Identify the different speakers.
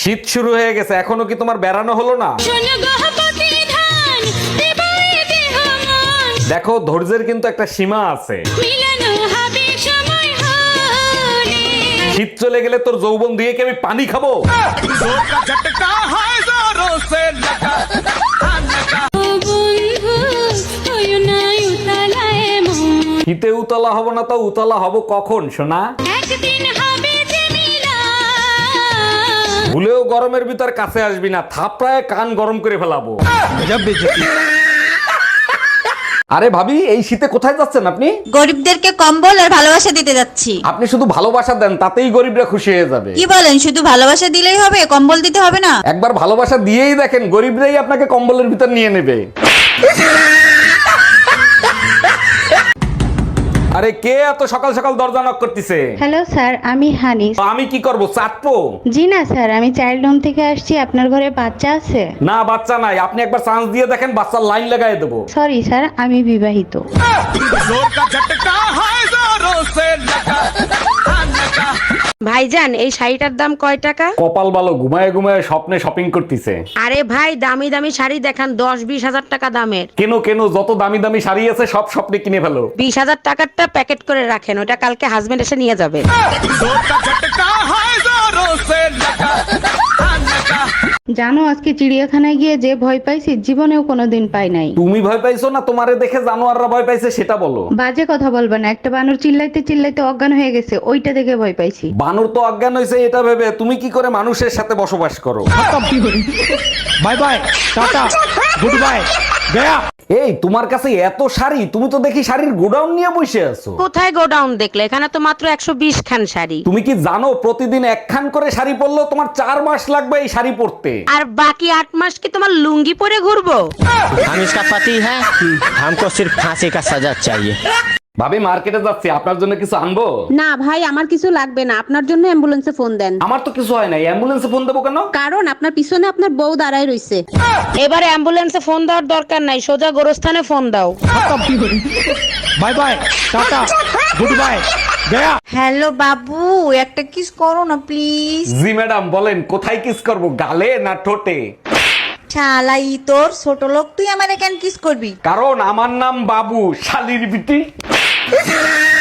Speaker 1: শীত শুরু হয়ে গেছে, এখনো কি তোমার বেড়ানো হলো না? দেখো ধৈর্যের কিন্তু একটা সীমা আছে। শীত চলে গেলে তোর যৌবন দিয়ে কি আমি পানি খাবো? শীতে উতলা হব না তো উতলা হব কখন সোনা? ভুলেও গরমের ভিতর কাছে আসবি না, থাপড়ায় কান গরম করে ফেলাবো। আরে ভাবি, এই শীতে কোথায় যাচ্ছেন আপনি?
Speaker 2: গরিবদেরকে কম্বল আর ভালোবাসা দিতে যাচ্ছি।
Speaker 1: আপনি শুধু ভালোবাসা দেন, তাতেই গরিবরা খুশি হয়ে যাবে।
Speaker 2: কি বলেন, শুধু ভালোবাসা দিলেই হবে, কম্বল দিতে হবে না?
Speaker 1: একবার ভালোবাসা দিয়েই দেখেন, গরিবরাই আপনাকে কম্বলের ভিতর নিয়ে নেবে। আরে কে এত সকাল সকাল দরজা নক করতেছে?
Speaker 3: হ্যালো স্যার, আমি হানিস।
Speaker 1: তো আমি কি করব, চাটবো?
Speaker 3: জি না স্যার, আমি চাইল্ড হোম থেকে আসছি। আপনার ঘরে বাচ্চা আছে?
Speaker 1: না, বাচ্চা নাই। আপনি একবার চান্স দিয়ে দেখেন, বাচ্চার লাইন লাগাই দেবো।
Speaker 3: সরি স্যার, আমি বিবাহিত।
Speaker 4: ভাইজান, এই শাড়িটার দাম কয় টাকা?
Speaker 1: কপাল ভালো, ঘুমায় ঘুমায় স্বপ্নে শপিং করতেছে।
Speaker 4: আরে ভাই, দামি দামি শাড়ি দেখান, 10-20 হাজার টাকা দামের।
Speaker 1: কেন কেন, যত দামি দামি শাড়ি আছে সব স্বপ্নে কিনে ফেলো।
Speaker 4: 20,000 টাকারটা প্যাকেট করে রাখেন, ওটা কালকে হাজবেন্ড এসে নিয়ে যাবে।
Speaker 3: জানো, আজকে চিড়িয়াখানায় গিয়ে যে ভয় পাইছি জীবনেও কোনোদিন পাই নাই।
Speaker 1: তুমি ভয় পাইছো না তোমারে দেখে জানোয়াররা ভয় পাইছে সেটা বলো।
Speaker 3: বাজে কথা বলবা না, একটা বানর চিল্লাইতে চিল্লাইতে অজ্ঞান হয়ে গেছে, ওইটা দেখে ভয় পাইছি।
Speaker 1: বানর তো অজ্ঞান হয়েছে এটা ভেবে তুমি কি করে মানুষের সাথে বসবাস করো?
Speaker 5: Bye bye, tata, good bye, গয়া।
Speaker 1: এই তোমার কাছে এত শাড়ি, তুমি তো দেখি শাড়ির গোডাউন নিয়ে বসে আছো।
Speaker 4: কোথায় গোডাউন দেখলে? এখানে তো মাত্র 120 খান শাড়ি।
Speaker 1: তুমি কি জানো প্রতিদিন একখান করে শাড়ি পরলেও তোমার 4 মাস লাগবে এই শাড়ি পরতে।
Speaker 4: আর বাকি 8 মাস কি তোমার লুঙ্গি পরে ঘুরবো?
Speaker 6: हम इसका पति है, हमको सिर्फ फांसी का सजा चाहिए।
Speaker 1: ভাবি মার্কেটে যাচ্ছি, আপনার জন্য কিছু আনবো?
Speaker 4: না ভাই, আমার কিছু লাগবে না, আপনার জন্য অ্যাম্বুলেন্সে ফোন দেন।
Speaker 1: আমার তো কিছু হয় নাই, অ্যাম্বুলেন্সে ফোন দেবো কেন?
Speaker 4: কারণ আপনার পিছনে আপনার বউ দাঁড়ায় রইছে। এবারে অ্যাম্বুলেন্সে ফোন দেওয়ার দরকার নাই, সোজা গোরস্থানে ফোন দাও।
Speaker 5: Bye bye, tata, good bye, গয়া।
Speaker 2: হ্যালো বাবু, একটা কিস করো না প্লিজ।
Speaker 1: জি ম্যাডাম, বলেন কোথায় কিস করব, গালে না ঠোঁটে?
Speaker 2: শালাই তোর ছোট লোক, তুই আমারে কেন কিস করবি?
Speaker 1: কারণ আমার নাম বাবু, শালির বিটি।